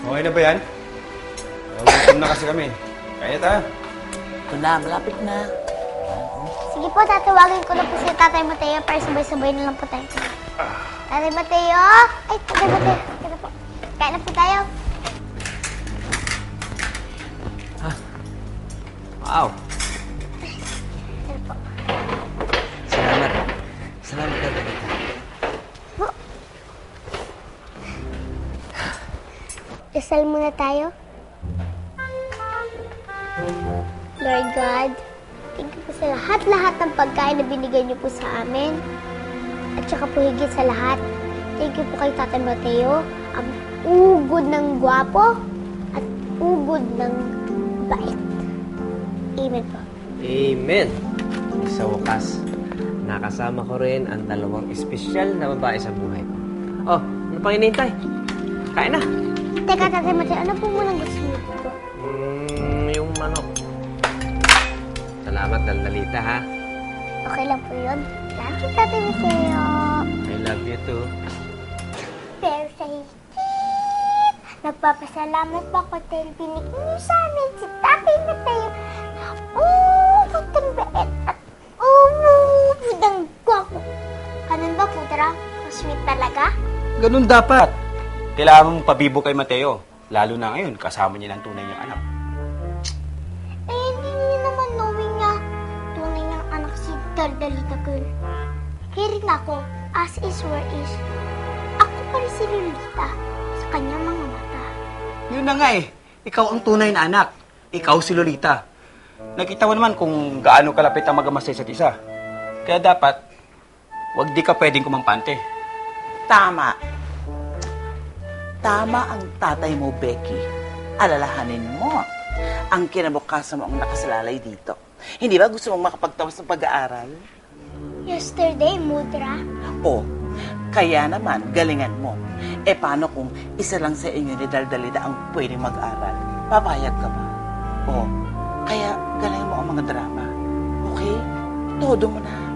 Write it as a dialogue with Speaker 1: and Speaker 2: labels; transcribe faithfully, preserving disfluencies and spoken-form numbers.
Speaker 1: Okay na ba yan? Gutom na kasi kami. Kaya tayo.
Speaker 2: Ito na, malapit na.
Speaker 3: Sige po, tatawagin ko na po si Tatay Mateo para sabay-sabay na lang po tayo. Tatay Mateo! Ay, Tatay Mateo. Kaya na po. Kaya na po tayo.
Speaker 4: Wow.
Speaker 3: Kaya na po.
Speaker 4: Salamat. Salamat na talaga.
Speaker 3: Dasal muna tayo. Lord God, thank you po sa lahat-lahat ng pagkain na binigay niyo po sa amin. At saka po higit sa lahat, thank you po kay Tatay Mateo, ang ugod ng gwapo at ugod ng bait. Amen po.
Speaker 4: Amen. Sa wakas, nakasama ko rin ang dalawang espesyal na babae sa buhay ko. Oh, ano pang hinihintay? Kain na.
Speaker 3: Teka, Tatay Mateo, ano po munang gusto niyo po?
Speaker 4: Mm, yung manok. Salamat, Daldalita, ha?
Speaker 3: Okay lang po yun. Love you, Tatay Mateo.
Speaker 4: I love you too.
Speaker 3: Pero sa higit, nagpapasalamat po ako dahil binigyan niyo sa amin si Tatay Mateo. Ugod ng bait at ugod ng gwapo. Ganun ba po, Dra? Sweet talaga?
Speaker 1: Ganun dapat. Kailangan mong pabibo kay Mateo. Lalo na ngayon, kasama niya ng tunay niyang anak.
Speaker 3: Eh, hindi niyo naman knowing niya. Tunay niyang anak si Daldalita Girl. Kaya rin ako, as is where is. Ako pa rin si Lolita sa kanyang mga mata.
Speaker 1: Yun na nga eh. Ikaw ang tunay na anak. Ikaw si Lolita. Nakita mo naman kung gaano kalapit ang mag-ama sa isa't isa. Kaya dapat, wag di ka pwedeng kumampante.
Speaker 2: Tama. Tama ang tatay mo, Becky. Alalahanin mo. Ang kinabukasan mo ang nakasalalay dito. Hindi ba gusto mong makapagtapos ng pag-aaral?
Speaker 3: Yesterday, Mudra.
Speaker 2: O, kaya naman, galingan mo. E paano kung isa lang sa inyo ni Daldalida ang pwedeng mag-aral? Papayag ka ba? O, kaya galingan mo ang mga drama. Okay? Todo mo na.